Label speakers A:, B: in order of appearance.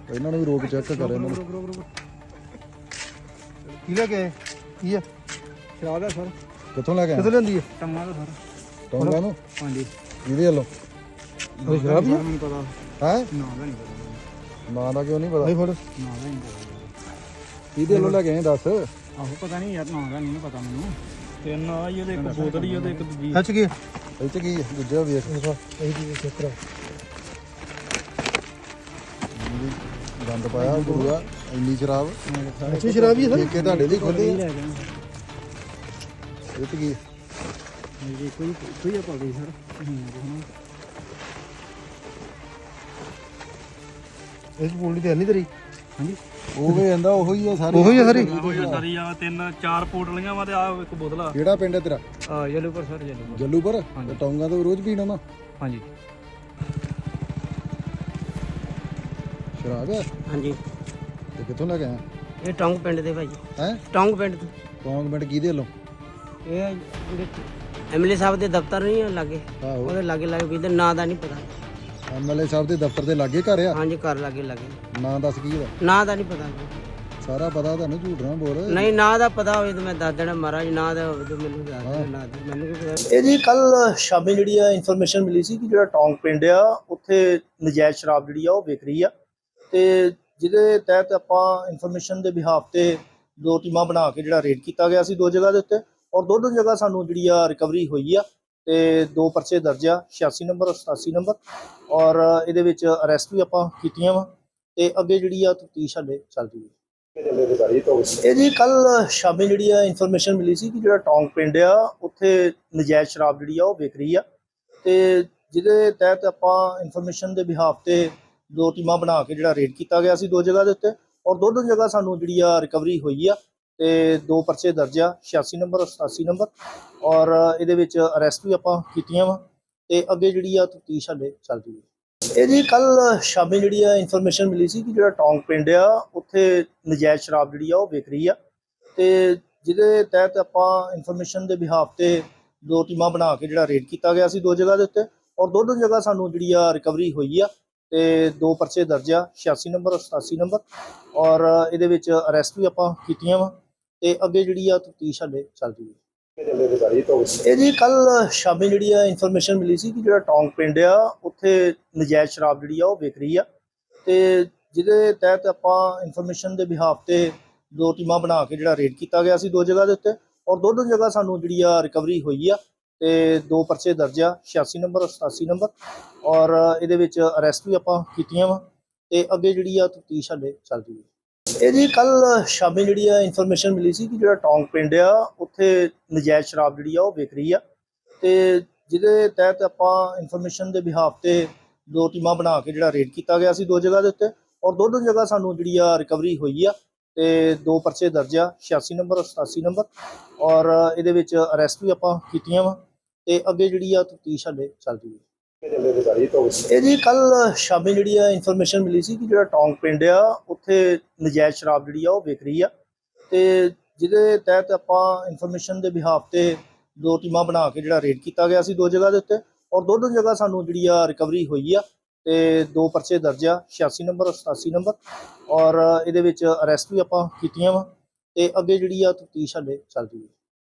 A: ਇਹਨਾਂ ਨੂੰ ਵੀ ਰੋਕ ਚੈੱਕ ਕਰ ਇਹਨਾਂ ਨੂੰ।
B: ਕੀ ਲੈ ਕੇ ਆਏ? ਕੀ ਆ?
C: ਸ਼ਰਾਬ ਹੈ ਸਰ।
A: ਕਿੱਥੋਂ ਲੈ ਕੇ
B: ਕਿੱਥੋਂ
A: ਆਏ?
B: ਲੈਂਦੀ ਹੈ?
C: ਟੰਗਾ ਦਾ ਸਰ।
A: ਟੌਂਗਾ ਨੂੰ
C: ਹਾਂਜੀ।
A: ਇਹਦੇ ਵੱਲੋਂ
B: ਉਹ ਸ਼ਰਾਬ ਹੀ ਆ?
C: ਮੈਨੂੰ ਪਤਾ
A: ਹੈ
C: ਨਾ ਦਾ ਨਹੀਂ ਪਤਾ।
A: ਨਾਂ ਦਾ ਕਿਉਂ ਨਹੀਂ ਪਤਾ?
B: ਨਹੀਂ ਫੜ।
C: ਨਾ ਦਾ ਨਹੀਂ ਪਤਾ।
A: ਇਹਦੇ ਵੱਲੋਂ ਲੈ ਕੇ ਆਏ ਦੱਸ।
C: ਆਹੋ ਪਤਾ ਨਹੀਂ ਯਾਰ, ਨਾ ਦਾ ਨਹੀਂ ਪਤਾ ਮੈਨੂੰ। ਤੇ ਨਾ ਹੀ ਉਹਦੇ ਇੱਕ ਬੋਤਲ ਹੀ ਉਹਦੇ ਇੱਕ ਦੂਜੀ।
B: ਸੱਚ ਕੀ?
A: ਇਹ ਚ ਕੀ ਹੈ? ਦੂਜਾ ਵੇਖ
B: ਇਹ ਕੀ ਚੈੱਕ ਕਰਾ।
A: ਗੰਦ ਪਾਇਆ ਗੁਰੂਆ ਇੰਨੀ ਸ਼ਰਾਬ।
B: ਅੱਛੀ ਸ਼ਰਾਬ ਹੀ ਹੈ
A: ਦੇਖ ਕੇ ਤੁਹਾਡੇ ਲਈ ਖੋਲੀ
C: ਲੈ ਗਏ
A: ਇਹ ਚ ਕੀ ਹੈ?
C: ਜੀ। ਕੋਈ ਪਾ ਗਈ ਸਰ।
B: ਇਸ ਬੋਲੀ ਤੇ ਨਹੀਂ ਤੇਰੀ?
C: ਹਾਂਜੀ।
A: ਉਹ ਵੀ ਜਾਂਦਾ ਉਹੀ ਆ ਸਾਰੀ।
B: ਉਹੀ ਆ ਸਾਰੀ?
C: ਸਾਰੀ ਆ ਤਿੰਨ ਚਾਰ ਪੋਟਲੀਆਂ ਵਾ ਤੇ ਆ ਇੱਕ ਬੋਤਲ ਆ।
A: ਕਿਹੜਾ ਪਿੰਡ ਹੈ ਤੇਰਾ?
C: ਯੈਲੋਪੁਰ ਸਰ, ਯੈਲੋਪੁਰ।
A: ਜੱਲੂਪੁਰ?
C: ਹਾਂਜੀ।
A: ਤੇ ਟੌਂਗਾ ਤੋਂ ਰੋਜ਼ ਪੀਣਾ ਨਾ
C: ਹਾਂਜੀ।
A: ਸ਼ਰਾਬ ਹੈ?
D: ਹਾਂਜੀ,
A: ਤੇ ਕਿੱਥੋਂ ਲੈ ਕੇ ਆਇਆ?
D: ਇਹ ਟੌਂਗ ਪਿੰਡ ਦੇ ਭਾਈ।
A: ਹੈ
D: ਟੌਂਗ ਪਿੰਡ ਤੋਂ।
A: ਟੌਂਗ ਪਿੰਡ ਕਿਹਦੇ ਵੱਲੋਂ?
D: ਇਹ ਜਿਹੜੇ ਐਮਐਲਏ ਸਾਹਿਬ ਦੇ ਦਫ਼ਤਰ ਨਹੀਂ ਆ ਲਾਗੇ,
A: ਆਹੋ
D: ਉਹਦੇ ਲਾਗੇ ਲਾਗੇ ਕਿਤੇ ਨਾਂ ਦਾ ਨਹੀਂ ਪਤਾ।
A: ਐਮਐਲਏ ਸਾਹਿਬ ਦੇ ਦਫ਼ਤਰ ਦੇ ਲਾਗੇ ਘਰ ਆ?
D: ਹਾਂਜੀ, ਘਰ ਲਾਗੇ ਲਾਗੇ।
A: ਨਾਂ ਦੱਸ ਕੀ ਇਹਦਾ?
D: ਨਾਂ ਦਾ ਨਹੀਂ ਪਤਾ।
A: ਸਾਰਾ ਪਤਾ ਤੁਹਾਨੂੰ, ਝੂਠ ਨਾ ਬੋਲ।
D: ਨਹੀਂ, ਨਾਂ ਦਾ ਪਤਾ ਹੋਵੇ ਤਾਂ ਮੈਂ ਦੱਸ ਦੇਣਾ ਮਹਾਰਾਜ। ਨਾਂ ਦਾ ਹੋਵੇ ਤਾਂ ਮੈਨੂੰ ਦੱਸ ਦੇਣਾ। ਨਾਂ ਦਾ ਮੈਨੂੰ ਕੀ ਪਤਾ।
E: ਇਹ ਜੀ ਕੱਲ ਸ਼ਾਮੀ ਜਿਹੜੀ ਆ ਇਨਫੋਰਮੇਸ਼ਨ ਮਿਲੀ ਸੀ ਕਿ ਜਿਹੜਾ ਟੌਂਗ ਪਿੰਡ ਆ ਉੱਥੇ ਨਜਾਇਜ਼ ਸ਼ਰਾਬ ਜਿਹੜੀ ਆ ਉਹ ਵਿਕ ਰਹੀ ਆ, ਤੇ ਜਿਹਦੇ ਤਹਿਤ ਆਪਾਂ ਇਨਫੋਰਮੇਸ਼ਨ ਦੇ ਬਿਹਾਫ ਤੇ ਦੋ ਟੀਮਾਂ ਬਣਾ ਕੇ ਜਿਹੜਾ ਰੇਡ ਕੀਤਾ ਗਿਆ ਸੀ ਦੋ ਜਗ੍ਹਾ ਦੇ ਉੱਤੇ, ਔਰ ਦੋ ਜਗ੍ਹਾ ਸਾਨੂੰ ਜਿਹੜੀ ਆ ਰਿਕਵਰੀ ਹੋਈ ਆ, ਤੇ ਦੋ ਪਰਚੇ ਦਰਜ ਆ 86 ਨੰਬਰ ਔਰ 87 ਨੰਬਰ, ਔਰ ਇਹਦੇ ਵਿੱਚ ਅਰੈਸਟ ਵੀ ਆਪਾਂ ਕੀਤੀਆਂ ਵਾ, ਤੇ ਅੱਗੇ ਜਿਹੜੀ ਆ ਤਫਤੀਸ਼ ਹਾਲੇ ਚੱਲ ਰਹੀ ਹੈ। ਇਹ ਜੀ ਕੱਲ ਸ਼ਾਮੀ ਜਿਹੜੀ ਆ ਇਨਫੋਰਮੇਸ਼ਨ ਮਿਲੀ ਸੀ ਕਿ ਜਿਹੜਾ ਟੌਂਗ ਪਿੰਡ ਆ ਉੱਥੇ ਨਜਾਇਜ਼ ਸ਼ਰਾਬ ਜਿਹੜੀ ਆ ਉਹ ਵਿਕ ਰਹੀ ਆ, ਤੇ ਜਿਹਦੇ ਤਹਿਤ ਆਪਾਂ ਇਨਫੋਰਮੇਸ਼ਨ ਦੇ ਬਿਹਾਫ ਤੇ ਦੋ ਟੀਮਾਂ ਬਣਾ ਕੇ ਜਿਹੜਾ ਰੇਡ ਕੀਤਾ ਗਿਆ ਸੀ ਦੋ ਜਗ੍ਹਾ ਦੇ ਉੱਤੇ, ਔਰ ਦੋ ਜਗ੍ਹਾ ਸਾਨੂੰ ਜਿਹੜੀ ਆ ਰਿਕਵਰੀ ਹੋਈ ਆ, ਤੇ ਦੋ ਪਰਚੇ ਦਰਜ ਆ 86 ਨੰਬਰ ਔਰ 87 ਨੰਬਰ, ਔਰ ਇਹਦੇ ਵਿੱਚ ਅਰੈਸਟ ਵੀ ਆਪਾਂ ਕੀਤੀਆਂ ਵਾ, ਤੇ ਅੱਗੇ ਜਿਹੜੀ ਆ ਤਫਤੀਸ਼ ਹਾਲੇ ਚੱਲ ਰਹੀ ਹੈ। ਇਹ ਜੀ ਕੱਲ ਸ਼ਾਮੀ ਜਿਹੜੀ ਆ ਇਨਫੋਰਮੇਸ਼ਨ ਮਿਲੀ ਸੀ ਕਿ ਜਿਹੜਾ ਟੌਂਗ ਪਿੰਡ ਆ ਉੱਥੇ ਨਜਾਇਜ਼ ਸ਼ਰਾਬ ਜਿਹੜੀ ਆ ਉਹ ਵਿਕ ਰਹੀ ਆ, ਤੇ ਜਿਹਦੇ ਤਹਿਤ ਆਪਾਂ ਇਨਫੋਰਮੇਸ਼ਨ ਦੇ ਬਿਹਾਫ ਤੇ ਦੋ ਟੀਮਾਂ ਬਣਾ ਕੇ ਜਿਹੜਾ ਰੇਡ ਕੀਤਾ ਗਿਆ ਸੀ ਦੋ ਜਗ੍ਹਾ ਦੇ ਉੱਤੇ, ਔਰ ਦੋ ਜਗ੍ਹਾ ਸਾਨੂੰ ਜਿਹੜੀ ਆ ਰਿਕਵਰੀ ਹੋਈ ਆ, ਤੇ ਦੋ ਪਰਚੇ ਦਰਜ ਆ 86 ਨੰਬਰ ਔਰ 87 ਨੰਬਰ, ਔਰ ਇਹਦੇ ਵਿੱਚ ਅਰੈਸਟ ਵੀ ਆਪਾਂ ਕੀਤੀਆਂ ਵਾ, ਤੇ ਅੱਗੇ ਜਿਹੜੀ ਆ ਤਫਤੀਸ਼ ਹਾਲੇ ਚੱਲ ਰਹੀ ਹੈ। ਇਹ ਜੀ ਕੱਲ ਸ਼ਾਮੀ ਜਿਹੜੀ ਆ ਇਨਫੋਰਮੇਸ਼ਨ ਮਿਲੀ ਸੀ ਕਿ ਜਿਹੜਾ ਟੌਂਗ ਪਿੰਡ ਆ ਉੱਥੇ ਨਜਾਇਜ਼ ਸ਼ਰਾਬ ਜਿਹੜੀ ਆ ਉਹ ਵਿਕ ਰਹੀ ਆ, ਤੇ ਜਿਹਦੇ ਤਹਿਤ ਆਪਾਂ ਇਨਫੋਰਮੇਸ਼ਨ ਦੇ ਬਿਹਾਫ ਤੇ ਦੋ ਟੀਮਾਂ ਬਣਾ ਕੇ ਜਿਹੜਾ ਰੇਡ ਕੀਤਾ ਗਿਆ ਸੀ ਦੋ ਜਗ੍ਹਾ ਦੇ ਉੱਤੇ, ਔਰ ਦੋ ਜਗ੍ਹਾ ਸਾਨੂੰ ਜਿਹੜੀ ਆ ਰਿਕਵਰੀ ਹੋਈ ਆ, ਤੇ ਦੋ ਪਰਚੇ ਦਰਜ ਆ 86 ਨੰਬਰ ਔਰ 87 ਨੰਬਰ, ਔਰ ਇਹਦੇ ਵਿੱਚ ਅਰੈਸਟ ਵੀ ਆਪਾਂ ਕੀਤੀਆਂ ਵਾ, ਤੇ ਅੱਗੇ ਜਿਹੜੀ ਆ ਤਫਤੀਸ਼ ਹਾਲੇ ਚੱਲ ਰਹੀ ਹੈ। ਇਹ ਜੀ ਕੱਲ ਸ਼ਾਮੀ ਜਿਹੜੀ ਆ ਇਨਫੋਰਮੇਸ਼ਨ ਮਿਲੀ ਸੀ ਕਿ ਜਿਹੜਾ ਟੌਂਗ ਪਿੰਡ ਆ ਉੱਥੇ ਨਜਾਇਜ਼ ਸ਼ਰਾਬ ਜਿਹੜੀ ਆ ਉਹ ਵਿਕ ਰਹੀ ਆ, ਤੇ ਜਿਹਦੇ ਤਹਿਤ ਆਪਾਂ ਇਨਫੋਰਮੇਸ਼ਨ ਦੇ ਬਿਹਾਫ ਤੇ ਦੋ ਟੀਮਾਂ ਬਣਾ ਕੇ ਜਿਹੜਾ ਰੇਡ ਕੀਤਾ ਗਿਆ ਸੀ ਦੋ ਜਗ੍ਹਾ ਦੇ ਉੱਤੇ, ਔਰ ਦੋ ਜਗ੍ਹਾ ਸਾਨੂੰ ਜਿਹੜੀ ਆ ਰਿਕਵਰੀ ਹੋਈ ਆ, ਤੇ ਦੋ ਪਰਚੇ ਦਰਜ ਆ 86 ਨੰਬਰ ਔਰ 87 ਨੰਬਰ, ਔਰ ਇਹਦੇ ਵਿੱਚ ਅਰੈਸਟ ਵੀ ਆਪਾਂ ਕੀਤੀਆਂ ਵਾ, ਤੇ ਅੱਗੇ ਜਿਹੜੀ ਆ ਤਫਤੀਸ਼ ਹਾਲੇ ਚੱਲ ਰਹੀ ਹੈ। ਇਹ ਜੀ ਕੱਲ ਸ਼ਾਮੀ ਜਿਹੜੀ ਆ ਇਨਫੋਰਮੇਸ਼ਨ ਮਿਲੀ ਸੀ ਕਿ ਜਿਹੜਾ ਟੌਂਗ ਪਿੰਡ ਆ ਉੱਥੇ ਨਜਾਇਜ਼ ਸ਼ਰਾਬ ਜਿਹੜੀ ਆ ਉਹ ਵਿਕ ਰਹੀ ਆ, ਤੇ ਜਿਹਦੇ ਤਹਿਤ ਆਪਾਂ ਇਨਫੋਰਮੇਸ਼ਨ ਦੇ ਬਿਹਾਫ ਤੇ ਦੋ ਟੀਮਾਂ ਬਣਾ ਕੇ ਜਿਹੜਾ ਰੇਡ ਕੀਤਾ ਗਿਆ ਸੀ ਦੋ ਜਗ੍ਹਾ ਦੇ ਉੱਤੇ, ਔਰ ਦੋ ਜਗ੍ਹਾ ਸਾਨੂੰ ਜਿਹੜੀ ਆ ਰਿਕਵਰੀ ਹੋਈ ਆ, ਤੇ ਦੋ ਪਰਚੇ ਦਰਜ ਆ 86 ਨੰਬਰ ਔਰ 87 ਨੰਬਰ, ਔਰ ਇਹਦੇ ਵਿੱਚ ਅਰੈਸਟ ਵੀ ਆਪਾਂ ਕੀਤੀਆਂ ਵਾ, ਤੇ ਅੱਗੇ ਜਿਹੜੀ ਆ ਤਫਤੀਸ਼ ਹਾਲੇ ਚੱਲ ਰਹੀ ਹੈ।